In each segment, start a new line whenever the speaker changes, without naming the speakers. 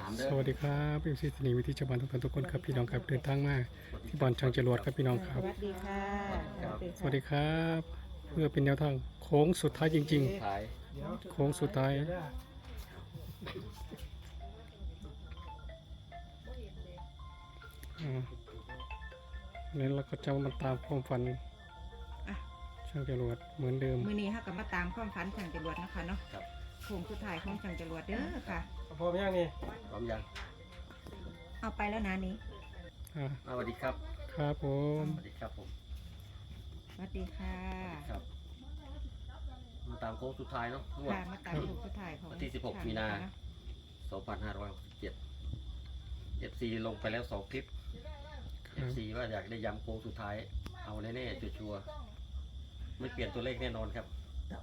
สวัสดีครับพี่ซีสนีวิธีชาวบ้านทุกคนครับพี่น้องครับเดินทางมาที่บ่อนช่างจรวดครับพี่น้องครับ
สวัสดีค่ะ
สวัสดีครับเพื่อเป็นแนวทางโค้งสุดท้ายจริง
ขาย
ๆ โค้งสุดท้ายนี่เราก็จะมาตามความฝันช่างจรวดเหมือนเดิม
มื้อนี้เฮาก็มาตามความฝันช่างจรวดนะคะเนาะโค้งสุดท้ายของช่างจรวดเด้อค่ะ
พร้อมยังนี่
พร้อมยัง
เอาไปแล้วนะนี้
อ่า
สวัสดีครับ
ครับผม
สวัสดีครับผม
สวัสดีค่ะ
ครับมาตามโค้งสุดท้ายเนาะงวด
ค่ะมาตามโค้งสุดท้ายของ
วันที่16มีนา 2567 FC ลงไปแล้ว2คลิป
ครับ
FC ว่าอยากได้ย้ำโค้งสุดท้ายเอาแน่ๆชัวร์ๆไม่เปลี่ยนตัวเลขแน่นอนครับ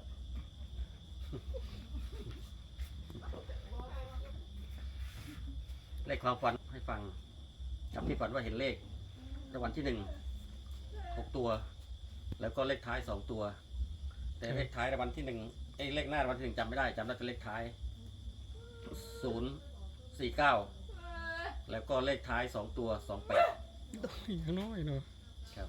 เลขความฝันให้ฟังกับที่ฝันว่าเห็นเลขรางวัลที่6 ตัว แล้วก็เลขท้าย2 ตัว แต่เลขท้ายรางวัลที่เลขหน้ารางวัลที่1จำไม่ได้จำได้แต่เลขท้าย049แล้วก็เลขท้าย2 ตัว28
อีกน้อยเนาะ
ครับ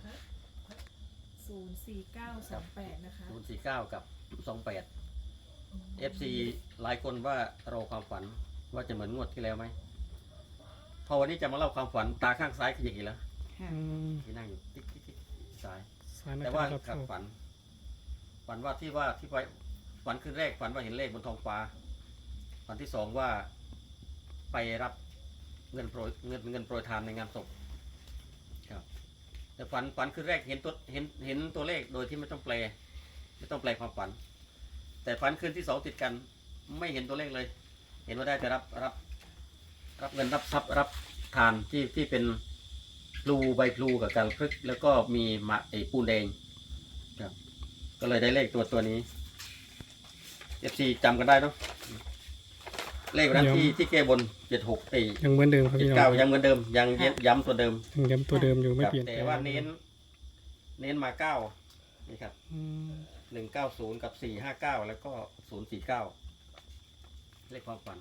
04928 นะคะ
049กับ28 FC หลายคนว่ารอความฝันว่าจะเหมือนงวดที่แล้วไหมพอวันนี้จะมาเล่าความฝันตาข้างซ้ายขยิบอีกแล้ว
ค่ะ
อืม
ที่นั่งอยู่ติ๊กติ๊กติ๊กซ้าย
สายนัก
แต่
กา
ว่าร
รับ
กับ
โชค
ฝันว่าที่ไปฝันคืนแรกฝันว่าเห็นเลขบนท้องฟ้าฝันที่2ว่าไปรับเงินโปรยทานในงานศพครับแต่ฝันคืนแรกเห็นตัวเลขโดยที่ไม่ต้องแปลความฝัน แต่ฝันคืนที่2ติดกันไม่เห็นตัวเลขเลย เห็นว่าได้แต่รับเงินรับทรัพย์รับทานที่เป็นพลูใบพลูกับกาลพฤกษ์แล้วก็มีปูนแดงครับ ก็เลยได้เลขตัวนี้ FC จำกันได้เนาะเลขวันนั้นที่แก้บน76
ยังเหมือนเดิมครับพี่น้อง
79ยังเหมือนเดิมยังย้ำตัวเดิม
ยังย้ำตัวเดิมอยู่ไม่
ครับ
เปลี่ยน
แต่
แปลง
ว่าเน้นมา9นี่ครับ
อืม
190กับ459แล้วก็049เลขความฝัน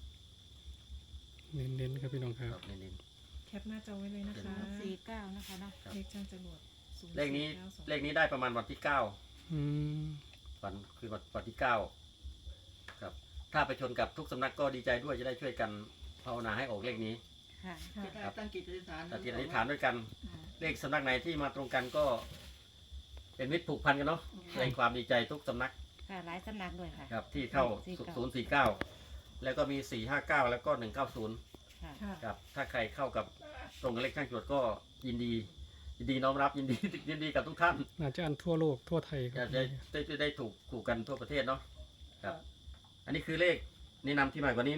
เน้นๆครับพี่น้องค
ค
รั
รั
บบ
เน้น
แคปหน้าจอไว้เลยนะคะ
49นะคะเนาะ
เลขช่างจรวด
ๆเลขนี้ได้ประมาณวันที่9
อืม
ฝันคือวันที่9ครับถ้าไปชนกับทุกสำนักก็ดีใจด้วยจะได้ช่วยกันภาวนาให้ออกเลขนี้
ค่ะ
ครับ
ตั้งจิตอธิษฐาน
ตัดจิตอธิษฐานด้วยกันเลขสำนักไหนที่มาตรงกันก็ เป็นมิตรผูกพันกันเนาะแสดงความดีใจทุกสำนัก
ค่ะหลายสำนักด้วยค่ะ
ครับที่เข้า049แล้วก็มี459แล้วก็190
ค่ะ
ค่ะ
ครับถ้าใครเข้ากับตรงกับเลขข้างจรวดก็ยินดีน้อมรับยินดีกับทุกท่าน
น่าจะอันทั่วโลกทั่วไทยค
จะ
รับ
ได้ถูกกันทั่วประเทศเนาะครับ อันนี้คือเลขแนะนำที่ใหม่กว่านี้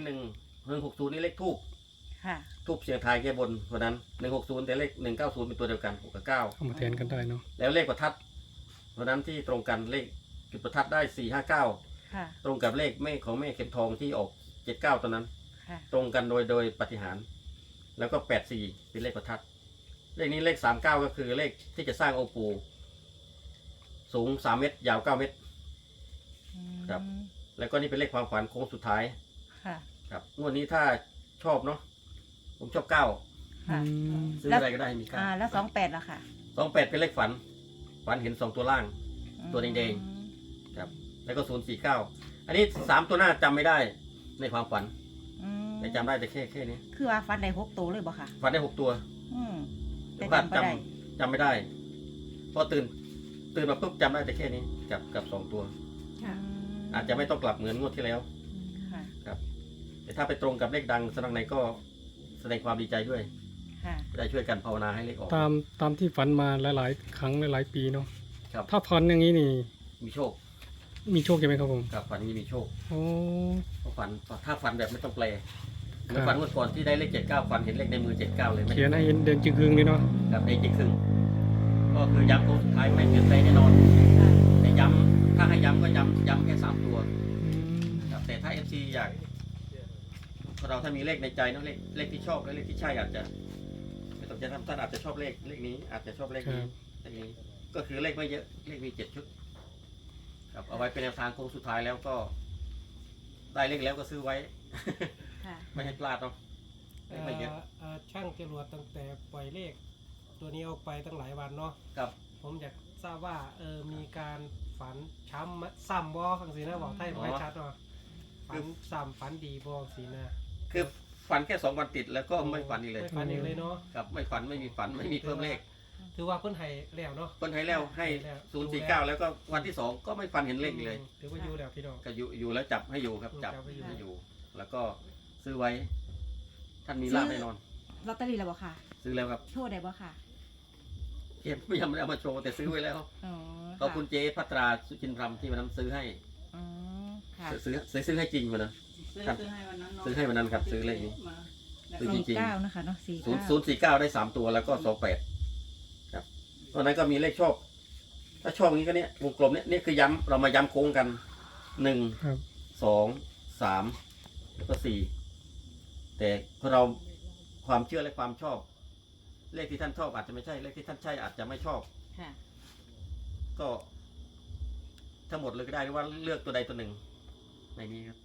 160นี่เลขทูบ
ค่ะ
ทูบเสียงทายแก้บนวันนั้น160แต่เลข190เป็นตัวเดียวกัน6กับ9
เอามาแทนกันได้เนาะ
แล้วเลขประทัดวันนั้นที่ตรงกันเลขจุดประทัดได้459
ค่ะ
ตรงกับเลขแม่ของแม่เข็มทองที่ออก79ตอนนั้น
ค่ะ
ตรงกันโดยปาฏิหาริย์แล้วก็84เป็นเลขประทัดเลขนี้เลข39ก็คือเลขที่จะสร้างองค์ปู่สูง3เมตรยาว9เมตร ครับ แล้วก็นี่เป็นเลขความฝันโค้งสุดท้าย
ค่ะ
ครับงวดนี้ถ้าชอบเนาะผมชอบ9
ค่ะ
อืม
ซื้ออะไรก็ได้มี9
แล้ว28ล่ะค่ะ
28เป็นเลขฝันเห็น2ตัวล่าง ตัวแดง ครับแล้วก็049อันนี้3ตัวหน้าจำไม่ได้ในความฝัน แต่จำได้แต่แค่นี้
คือว่าฟันได้6ตัวเลยบ่ค่ะ
ฝันได้6ตัว
อืม
แต่
แต่
ว่า
จำบ่ได้
จำไม่ได้พอตื่นมาปุ๊บจำได้แต่แค่นี้กับ2ตัว
ค่ะ
อาจจะไม่ต้องกลับเหมือนงวดที่แล้ว
ค่ะ
ครับ แต่ถ้าไปตรงกับเลขดังสำนักไหนก็แสดงความดีใจด้วย
ค่ะ
จะได้ช่วยกันภาวนาให้เลขออก
ตามที่ฝันมาหลายๆ ครั้งหลายๆปีเนาะ
ครับ
ถ้าฝันอย่างนี้นี่
มีโชค
มีโชคใช่ไหมครับผม
ครับฝันนี้มีโชค
โอ้
เพราะถ้าฝันแบบไม่ต้องแปลเหมือน
ครับ
ฝันเมื่อก่อนที่ได้เลข79ฝันเห็นเลขในมือ79เลยไม่
เขียนให้เห็นเดินจึงคืงเลยเนาะ
ครับในจริงครึ่งก็คือย้ำโค้งสุดท้ายไม่เปลี่ยนแปลงแน่นอนแต่ย้ำถ้าให้ย้ำก็ย้ำแค่3ตัว ครับแต่ถ้า FC อยากเราถ้ามีเลขในใจเนอะเลขที่ชอบและเลขที่ใช่อาจจะไม่ต้องจะทำท่านอาจจะชอบเลขนี้อาจจะชอบเลขนี้เลขนี้ก็คือเลขไม่เยอะเลขมี7 ชุดครับเอาไว้เป็นแนวทางโค้งสุดท้ายแล้วก็ได้เลขแล้วก็ซื้อไว้
ค่ะค่ะ
ไม่ให้พลาดเนาะเลขไม่เยอะ
ช่างจรวดตั้งแต่ปล่อยเลข ตัวนี้ออกไปตั้งหลายวันเนาะ
ครับ
ผมอยากทราบว่ามีการฝันช้ำซ้ำบอฟังสีนะบอกไทยบอกให้ชัดเนาะฝันซ้ำฝันดีบอสีนะ
คือฝันแค่2 วันติดแล้วก็ไม่ฝันอีกเลย
ไม่ฝันอีกเลยเนาะ
ครับไม่ฝันไม่มีฝันไม่มีเพิ่มเลข
ถือว่าเพิ่นให้แล้วเนาะ
คนให้แล้วให้049แล้วก็วันที่2ก็ไม่ฝันเห็นเลขอีกเลย
ถือว่าอยู่แล้วพี่น้อง
ก็อยู่แล้วจับให้อยู่ครับจับ
จับให้อยู่
ให้อยู่ แล้วก็ซื้อไว้ ท่านมีลาภแน่นอน
ลอตเตอรี่แล้วบ่ค่ะ
ซื้อแล้วครับ
โชว์ได้บ่ค่ะ
เก็บไม่ยังไม่ได้เอามาโชว์แต่ซื้อไว้แล้ว
อ๋อ
ขอบคุณเจ๊พัตราสุจินทรำที่วันนั้นซื้อให้
อ๋อค่ะ
ซื้อให้จริงวันนั้น
ซื้อให้วันนั้นเนาะ
ซื้อให้วันนั้นครับซื้อเลขนี้
มา
ซื้อจริง
49นะคะเนาะ
049ได้3 ตัวแล้วก็28ครับตอนนั้นก็มีเลขชอบ ถ้าชอบอย่างนี้ก็เนี้ยวงกลมเนี้ยนี่คือย้ำเรามาย้ำโค้งกัน1
ครับ
2 3แล้วก็4แต่พอเราความเชื่อและความชอบ เลขที่ท่านชอบอาจจะไม่ใช่เลขที่ท่านใช่อาจจะไม่ชอบ
ค่ะ
ก็ทั้งหมดเลยก็ได้หรือว่าเลือกตัวใดตัวหนึ่งในนี้ครับ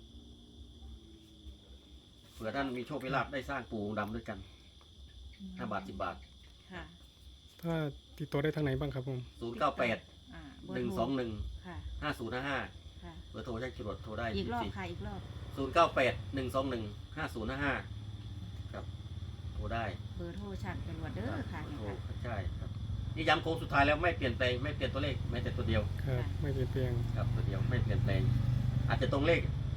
เผื่อท่านมีโชคมีลาภได้สร้างปู่องค์ดำด้วยกัน5 บาท 10 บาท
ค่ะ
ถ้าติดต่อได้ทางไหนบ้างครับผม
098
เบอร์โทร
121
ค่ะ
5055
ค่ะ
เบอร์โทรใช้จรวดโทรได้
อีกรอบค่ะ อีกรอบ
098 121 5055ครับโทรได้
เบอร์โทรช่างจรวดเด้อค่ะนี่
โทร
ค่ะ
ใช่ครับนี่ย้ำโค้งสุดท้ายแล้วไม่เปลี่ยนแปลงไม่เปลี่ยนตัวเลขแม้แต่ตัวเดียว
ครับ ไม่เปลี่ยนแปลง
ครับตัวเดียวไม่เปลี่ยนแปลง อาจจะตรงเลข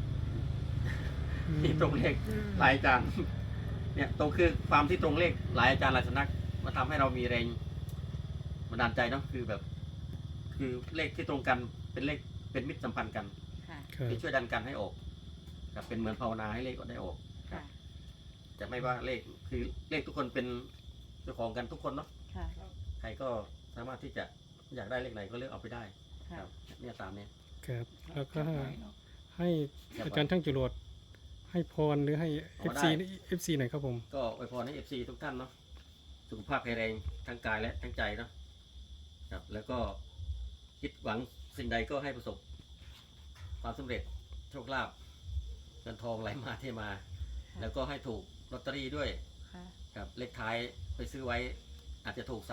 ที่ตรงเลขหลายอาจารย์เนี่ยตรงคือความที่ตรงเลขหลายอาจารย์หลายสำนักมาทำให้เรามีแรงบันดาลใจเนาะคือแบบ คือเลขที่ตรงกันเป็นเลขเป็นมิตรสัมพันธ์กัน
ค่ะ
ครับ
ที่ช่วยดันกันให้ออกครับเป็นเหมือนภาวนาให้เลขได้ออก
ค่ะ
จะไม่ว่าเลขคือเลขทุกคนเป็นเจ้าของกันทุกคนเนาะ
ค่ะ
ใครก็สามารถที่จะอยากได้เลขไหนก็เลือกเอาไปได้ค
ค่ะ
รับเนี่ยตามเนี้ย
ครับ แล้วก็ให้
ครับ
อาจารย์ช่างจรวดให้พรหรือให้
อ๋อ
FC
ได้
FC หน่อยครับผม
ก็อวยพรให้ FC ทุกท่านเนาะสุขภาพแข็งแรงทั้งกายและทั้งใจเนาะครับแล้วก็คิดหวังสิ่งใดก็ให้ประสบความสำเร็จโชคลาภเงินทองไหลมาเทมา แล้วก็ให้ถูกลอตเตอรี่ด้วย
ค่ะ
ครับเลขท้ายไปซื้อไว้ อาจจะถูก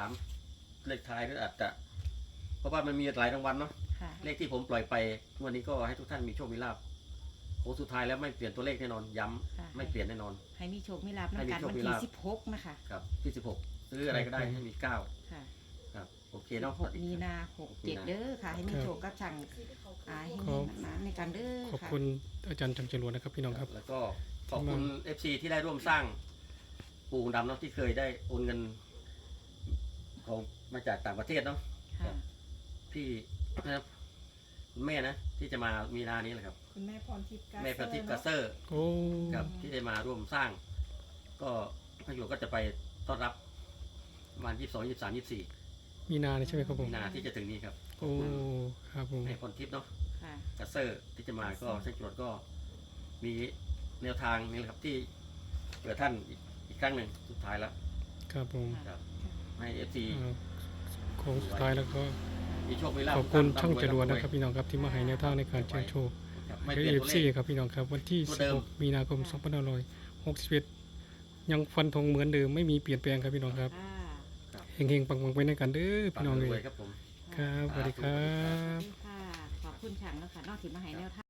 3เลขท้ายหรืออาจจะ เพราะว่ามันมีหลายรางวัลเนาะ
ค่ะ
เลขที่ผมปล่อยไปวันนี้ก็ให้ทุกท่านมีโชคมีลาภโค้งสุดท้ายแล้วไม่เปลี่ยนตัวเลขแน่นอนย้ำ
ค่ะ
ไม่เปลี่ยนแน่นอน
ให้มีโชคมีลาภ
ให้
นำ
มี
กัน
โชค
วัน
มี
ที่
ลาภ
16นะคะ
ครับที่16ซื้ออะไรก็ได้ให้มี9
ค่ะ
ครับโอเคเนาะ
16 มีนา67เด้อค่ะ ให้มีโชคกับช่างให้มีหนาในการเด้อ
ขอบ
ค่ะ
คุณอาจารย์ช่างจรวดนะครับพี่น้องครับ
แล้วก็ขอบคุณ FC ที่ได้ร่วมสร้างปู่องค์ดำเนาะที่เคยได้โอนเงินของมาจากต่างประเทศเนาะ
ค่ะ
พี่นะครับคุณแม่นะที่จะมามีนานี้แหละครับ
คุณแม่พรทิพย์กา
แม่พรทิพย์กาเซอร์
โอ้
ครับที่ได้มาร่วมสร้าง ก็พระหลวงก็จะไปต้อนรับประมาณ22 23 24
มีนาเนี่ยใช่ไหมครับผม
มีนาที่จะถึงนี้ครับ
โอ้ครับผม
แม่พรทิพย์เนาะ
ค่ะ
กาเซอร์ที่จะมาก็เส้นจรวดก็มีแนวทางนี่แหละครับที่เผื่อท่านอีกครั้งหนึ่งสุดท้ายแล้ว
ครับผม
ครับให้ FC
โค้งสุดท้ายแล้วก็
มีโชคมีลาภ
ขอบคุณ
ทุกท่น
ช่างจรวด
ำ
นะครับพี่น้องครับที่มาให้แนวทางในการเชิญโชค
ครับไม่
ไม่
เปลี่ยนตัว
FC
เลข
ครับพี่น้องครับวันที่
ตัวเดิม
16 มีนาคม 2561ยังฟันธงเหมือนเดิมไม่มีเปลี่ยนแปลงครับพี่น้องครับ
ค่ะ
เฮงๆปังๆไปในกันเด้อพี่น้องเล
รวย
ย
ครับผม
ครับสวัสดีครับ
ค่ะ ขอบคุณช่างแล้วค่ะ นอกที่มาให้แนวทาง